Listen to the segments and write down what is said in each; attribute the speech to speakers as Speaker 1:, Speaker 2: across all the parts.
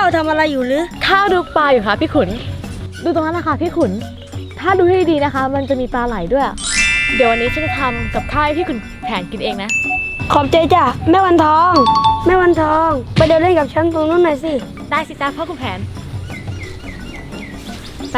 Speaker 1: าทำอะไรอยู่หรือ
Speaker 2: ข้าดูปลาอยู่ค่ะพี่ขุนดูตรงนั้นนะคะพี่ขุนถ้าดูให้ดีๆนะคะมันจะมีปลาไหลด้วยเดี๋ยววันนี้ฉันจะทำกับข้าวให้พี่ขุนแผนกินเองนะ
Speaker 1: ขอบใจจ้ะแม่วันทองแม่วันทองไปเดินเล่นกับฉันตรงนู้นหน่อยสิ
Speaker 2: ได้สิจ้าพ่อคุณแผนไป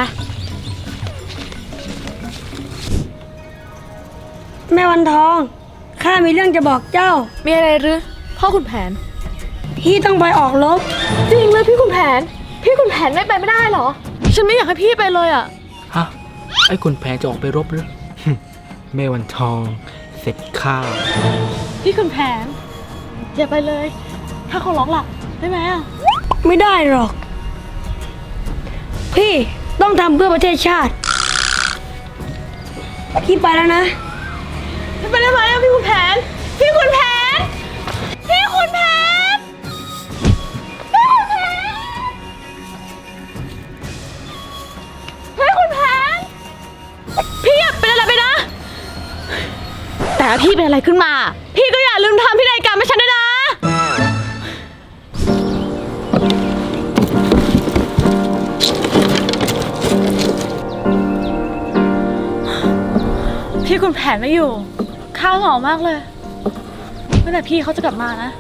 Speaker 1: แม่วันทองข้ามีเรื่องจะบอกเจ้า
Speaker 2: มีอะไรหรือพ่อคุณแผน
Speaker 1: พี่ต้องไปออกรบ
Speaker 2: จริงเลยพี่คุณแผนไม่ไปไม่ได้หรอฉันไม่อยากให้พี่ไปเลยอ่ะ
Speaker 3: ฮะไอ้คุณแผนจะออกไปรบหรือ แม่วันทองเสร็จข้าว
Speaker 2: พี่คุณแผนอย่าไปเลยถ้าเขาร้องหลับได้ไหมอ่ะ
Speaker 1: ไม่ได้หรอกพี่ต้องทำเพื่อประเทศชาติพี่ไปแล้วนะ
Speaker 2: ไปได้ไหมอ่ะพี่คุณแผนพี่คุณแผนพี่คุณแผนพี่คุณแผนพี่อย่าเป็นอะไรไปนะแต่ถ้าพี่เป็นอะไรขึ้นมาพี่ก็อย่าลืมทำพินัยกรรมให้ฉันด้วยนะพี่คุณแผนไม่อยู่ข้าวเหงามากเลยเมื่อไหร่พี่เขาจะกลับมานะ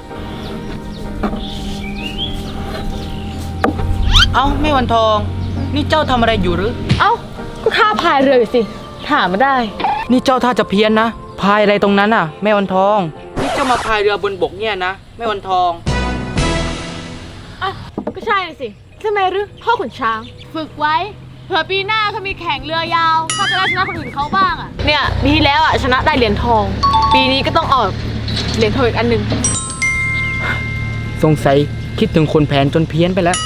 Speaker 3: เอ้าแม่วันทองนี่เจ้าทำอะไรอยู่หรือ
Speaker 2: เอ้าก็ข้าพายเรืออยู่สิถามมาได้
Speaker 3: นี่เจ้าท่าจะเพี้ยนนะพายอะไรตรงนั้นน่ะแม่วันทองนี่เจ้ามาพายเรือบนบกเนี่ยนะแม่วันทอง
Speaker 2: อ่ะก็ใช่สิทำไมหรือพ่อขุนช้างฝึกไว้เผื่อปีหน้าเขามีแข่งเรือยาวข้าจะได้ชนะคนอื่นเขาบ้างอ่ะเนี่ยปีที่แล้วอ่ะชนะได้เหรียญทองปีนี้ก็ต้องออกเหรียญทองอีกอันหนึ่ง
Speaker 3: สงสัยคิดถึงคนแผนจนเพี้ยนไปแล้ว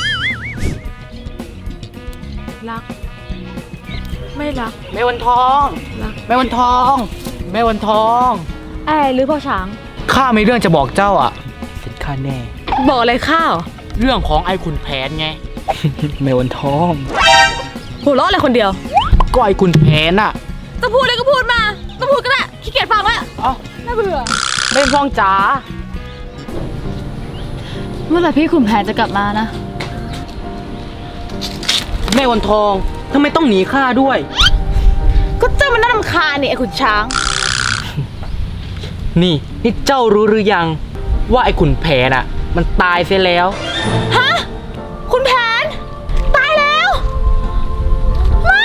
Speaker 2: รักไม่รัก
Speaker 3: แม่วันทองแม่วันทองแม่วันทอง
Speaker 2: หรือพ่อช้าง
Speaker 3: ข้ามีเรื่องจะบอกเจ้าอ่ะเสร็จข้าแน่
Speaker 2: บอกอะไรข้า
Speaker 3: เรื่องของไอ้ขุนแผนไง แม่วันทอง
Speaker 2: หัวเราะอะไรคนเดียว
Speaker 3: ก็ไอ้ขุนแผนอ่ะ
Speaker 2: จะพูดอะไรก็พูดมาจะพูดก็ได้ขี้เกียจฟังแล้วน่าเบื่อ
Speaker 3: แม่วันทองจ๋า
Speaker 2: เมื่อไหร่พี่ขุนแผนจะกลับมานะ
Speaker 3: แม่วันทองทำไมต้องหนีข้าด้วย
Speaker 2: ก็เจ้ามันน่ารำคาญนี่ไอ้ขุนช้าง
Speaker 3: นี่เจ้ารู้หรือยังว่าไอ้ขุนแผนอ่ะมันตายเสียแล้ว
Speaker 2: ฮะขุนแผนตายแล้วไม่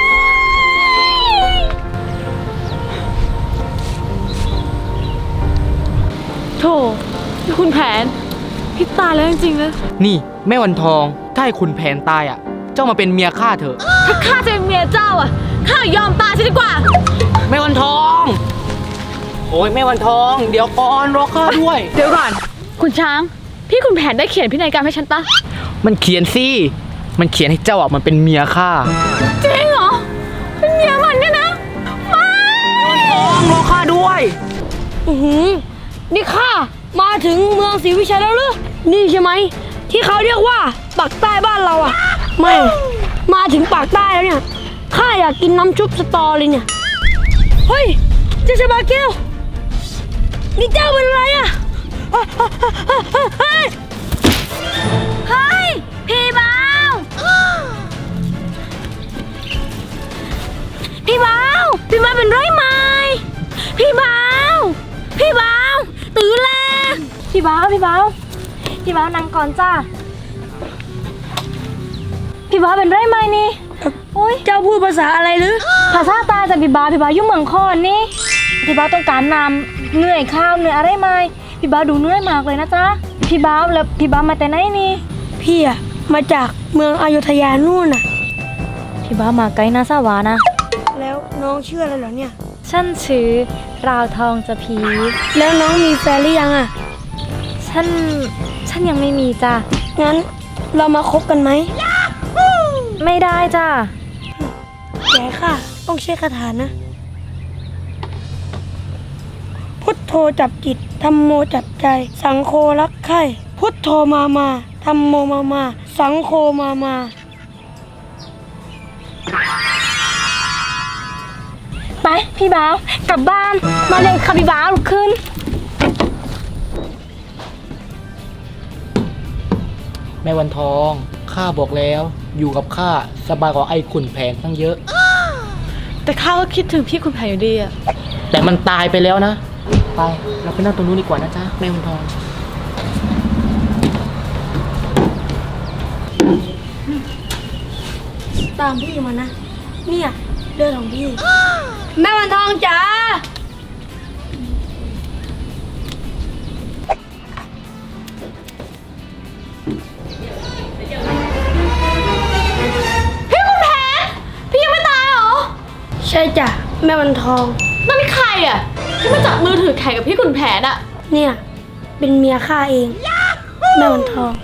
Speaker 2: โธ่ขุนแผนพี่ตายแล้วจริงๆเลย
Speaker 3: นี่แม่วันทองถ้าไอ้ขุนแผนตายอ่ะเจ้ามาเป็นเมียข้าเถอะ
Speaker 2: ถ้าข้าจะเป็นเมียเจ้าอ่ะข้ายอมตายซะดีกว่า
Speaker 3: แม่วันทองโอ้ยแม่วันทองเดี๋ยวก่อนรอข้าด้วย
Speaker 2: เดี๋ยวก่อนคุณช้างพี่คุณแผนได้เขียนพินัยกรรมให้ฉันปะ
Speaker 3: มันเขียนสิมันเขียนให้เจ้าอ่ะมันเป็นเมียข้า
Speaker 2: จริงเหรอเป็นเมียมันเนี่ยนะไม่
Speaker 3: ทองรอข้าด้วย
Speaker 1: นี่ข้ามาถึงเมืองศรีวิชัยแล้วหรือนี่ใช่ไหมที่เขาเรียกว่าปากใต้บ้านเราอ่ะไม่มาถึงปากใต้แล้วเนี่ยข้าอยากกินน้ำชุบสตอเลยเนี่ยเฮ้ยเจ้าชาบาเกลนี่เจ้าเป็นอะไรอ่ะเฮ้ยพี่บ่าวพี่บ่าวเป็นไรไหมพี่บ่าวตื่นแล้วพี่บ่าวนั่งก่อนจ้าพี่บ่าวเป็นไรไหมนี่เจ้าพูดภาษาอะไรหรือ
Speaker 2: ภาษาตาแต่พี่บ่าวยุ่งเมืองคอนนี่พี่บ่าวต้องการนำเหนื่อยข้าวเหนื่อยอะไรไหมพี่บ่าวดูเหนื่อยมากเลยนะจ๊ะพี่บ่าวแล้วพี่บ่าวมาแต่ไหนนี่
Speaker 1: พี่อะมาจากเมืองอยุธยานู่นน่ะ
Speaker 2: พี่บ่าวมาไกลนะสาวานะ
Speaker 1: แล้วน้องชื่ออะไรเหรอเนี่ย
Speaker 2: ฉันชื่อราวทองจะพี
Speaker 1: แล้วน้องมีแฟนหรือยังอะ
Speaker 2: ฉันยังไม่มีจ้ะ
Speaker 1: งั้นเรามาคบกันไหม
Speaker 2: ไม่ได้จ้ะ
Speaker 1: แกค่ะต้องใช้คาถานะพุทโธจับจิตธัมโมจับใจสังโฆรักใคร่พุทโธมาธัมโมมาสังโฆมา
Speaker 2: ไปพี่บ่าวกลับบ้านมาเลยค่ะพี่บ่าวลุกขึ้น
Speaker 3: แม่วันทองข้าบอกแล้วอยู่กับข้าสบายกว่าไอ้ขุนแผนตั้งเยอะ
Speaker 2: แต่ข้าก็คิดถึงพี่คุณแผนอยู่ดีอะ
Speaker 3: แต่มันตายไปแล้วนะไปเราไปนั่งตรงนู้นดีกว่านะจ๊ะแม่วันทอง
Speaker 1: ตามพี่มานะ เนี่ยเรื่องของพี่ แม่วันทองจ๋า
Speaker 2: พี่คุณแผนพี่ยังไม่ตายเหรอ
Speaker 1: ใช่จ้ะแม่วันทอง
Speaker 2: นั่นนี่ใครอะที่มาจับมือถือแข่งกับพี่คุณแผนอะ
Speaker 1: เนี่ยเป็นเมียข้าเอง แม่วันทอง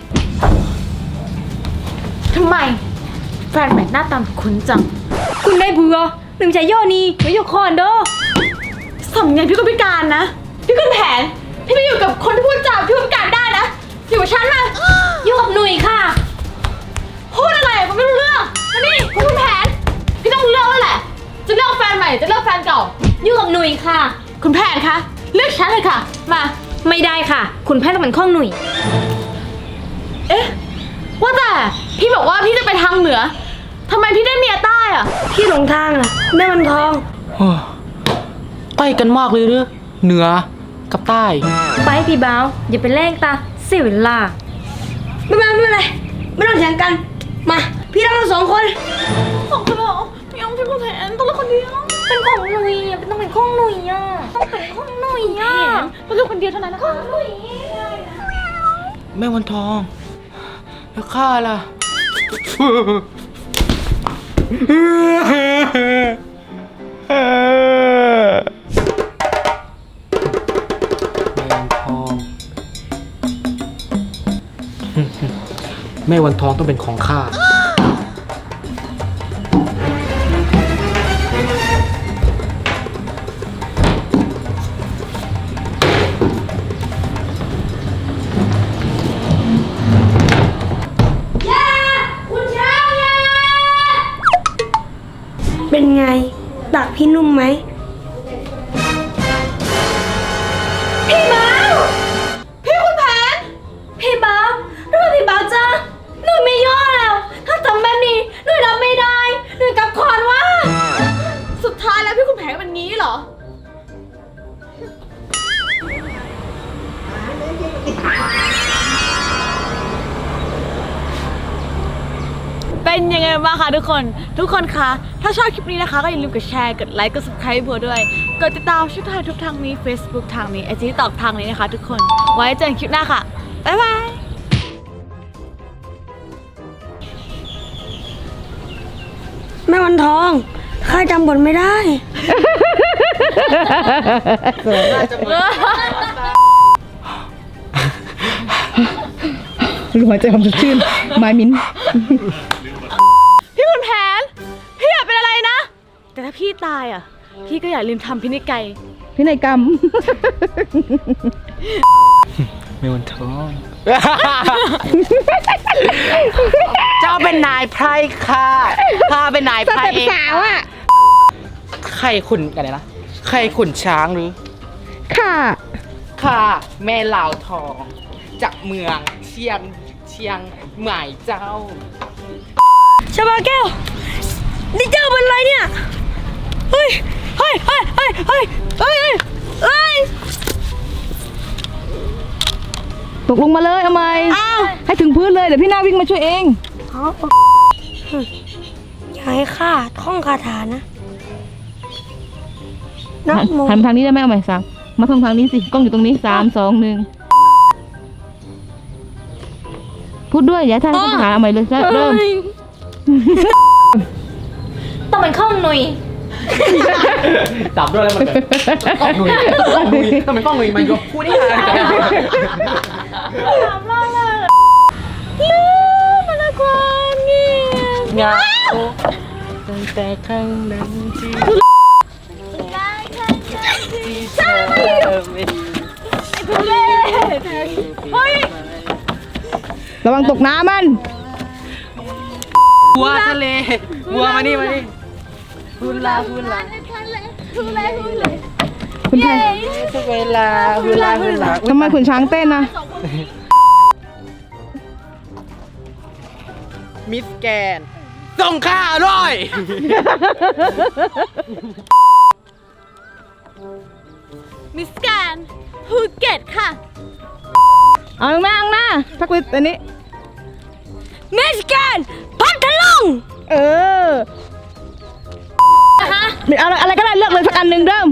Speaker 2: ทำไมแฟนใหม่หน้าตาคุ้นจัง
Speaker 1: คุณได้เบื่อหนึ่งใจย่อนี่ไม่ยกคอนเด้อ
Speaker 2: สำเนียงพี่ก็พิการนะ พี่คุณแผน พี่ไปอยู่กับคนที่พูดจาพี่ก็พิการได้นะ อยู่กับฉันมา
Speaker 1: อยู่กับหนุ่ยค่ะ
Speaker 2: พูดอะไรก็ไม่รู้เรื่องมานี่คุณแผน พี่ต้องเลือกแล้วแหละ จะเลือกแฟนใหม่จะเลือกแฟนเก่า
Speaker 1: อยู่กับหนุ่ยค่ะ
Speaker 2: คุณแผนคะ เลือกฉันเลยค่ะ มา
Speaker 1: ไม่ได้ค่ะ คุณแพทย์ต้องเป็นข้องหนุ่ย
Speaker 2: เอ๊ะ ว่าแต่พี่บอกว่าพี่จะไปทางเหนือทำไมพี่ได้เมียใต้อะ
Speaker 1: พี่หลงทางล่ะแม่วันทอง
Speaker 3: ใกล้กันมากเลยหรือเหนือกับใต้
Speaker 4: ไปพี่บ่าวอย่าไปแล้งตาเสียเวลา
Speaker 1: ไม่เป็นไรไม่ต้องเถียงกัน มา พี่รักเราสองคน
Speaker 2: สองคนเหรอไม่เอาพี่คุณแผนต้องเลือกคนเดียว
Speaker 4: เป็นของหนุ่ยอ่ะเป็นต้องเป็นของหนุ่ยอ่ะต้องเป็นของหนุ่ยอ่ะ
Speaker 2: ต้องเลือกคนเดียวเท่านั้นนะคะ
Speaker 3: แม่วันทองแล้วข้าล่ะ แม่วันทองต้องเป็นของข้า
Speaker 1: เป็นไงดักพี่นุ่มไหม
Speaker 2: พี่คุณแผน
Speaker 1: พี่บ้าวทำไมพี่บ้าวจ้าหนูไม่ย่อแล้ว ถ้าทำแบบนี้หนูรับไม่ได้หนูกลับคอนว่า
Speaker 2: สุดท้ายแล้วพี่คุณแผนเป็นงี้เหรอ เป็นยังไงบ้างคะทุกคน ทุกคนคะ ถ้าชอบคลิปนี้นะคะก็อย่าลืมกดแชร์ กดไลค์ กด subscribe บัวด้วย กดติดตามช่องทางทุกทางนี้ Facebook ทางนี้ IG ตอกทางนี้นะคะทุกคน ไว้เจอกันคลิปหน้าค่ะ บ๊ายบาย
Speaker 1: แม่วันทอง ข้าจำบทไม่ได้
Speaker 5: รู้หัวใจความสดชื่นไม้มิ้น
Speaker 2: พี่คุณแผน พี่อยากเป็นอะไรนะ แต่ถ้าพี่ตายอ่ะ พี่ก็อย่าลืมทำพินัยกรรม
Speaker 5: พินัยกรรม
Speaker 3: แม่วันทอง เจ้าเป็นนายไพร่ค่ะข้าเป็นนายไพร่เองสาวอ่ะใครขุนกันนะใครขุนช้างหรือ
Speaker 5: ค่ะ
Speaker 3: ค่ะแม่เหล่าทอง จากเมืองเชียงใหม่เจ้า
Speaker 1: ชาบาแก้ว นี่เจ้าเป็นอะไรเนี่ย เฮ้ย เฮ้ย เฮ้ย เฮ้ย เฮ้ย เฮ้ย เฮ้ย
Speaker 5: ตกลงมาเลยเอาไหม
Speaker 1: อ้าว
Speaker 5: ให้ถึงพื้นเลยเดี๋ยวพี่นาวิ่งมาช่วยเอง
Speaker 1: อย่าให้ข้าท่องคาถานะนะโม
Speaker 5: หันมาทางนี้ได้ไหมเอาไหมสามมาทางทางนี้สิกล้องอยู่ตรงนี้3 2 1พูดด้วยอย่าท่านพูดหาเอาใหม่เลยเริ่ม
Speaker 4: ต้องเป็นของหนุ่ย
Speaker 3: จับด้วยแล้วมันกล้องหนุ่ยต้องเป็นกล้องหนุ่ยมายกพูดได้ไง เงาตั้งแต่ครั้งนั้นที่เธอไม่ดี
Speaker 5: ระวังตกน้ำมัน
Speaker 3: วัวทะเลวัวมานี่ฮูลา
Speaker 5: คุณไทย
Speaker 3: ทุกเวลาฮูลา
Speaker 5: ทำไมขุนช้างเต้นนะ
Speaker 3: มิสแกนส่งข้าอร่อย
Speaker 2: มิสแกนภูเก็ตค่ะ
Speaker 5: เอาข้างหน้าพักไว้อันนี้
Speaker 1: มิสแกนพัทลุง
Speaker 5: เออเอาอะไรก็ได้เลือกเลยสักอันหนึ่งเริ่ม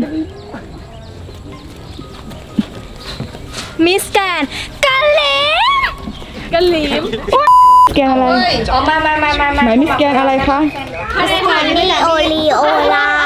Speaker 4: มิสแกนกะเหลม
Speaker 2: กะหลีม
Speaker 5: แกนอะไร
Speaker 4: อ๋อมา
Speaker 5: หมายมิสแกนอะไรคะ
Speaker 4: มิสแกนนี่โอลีโอลา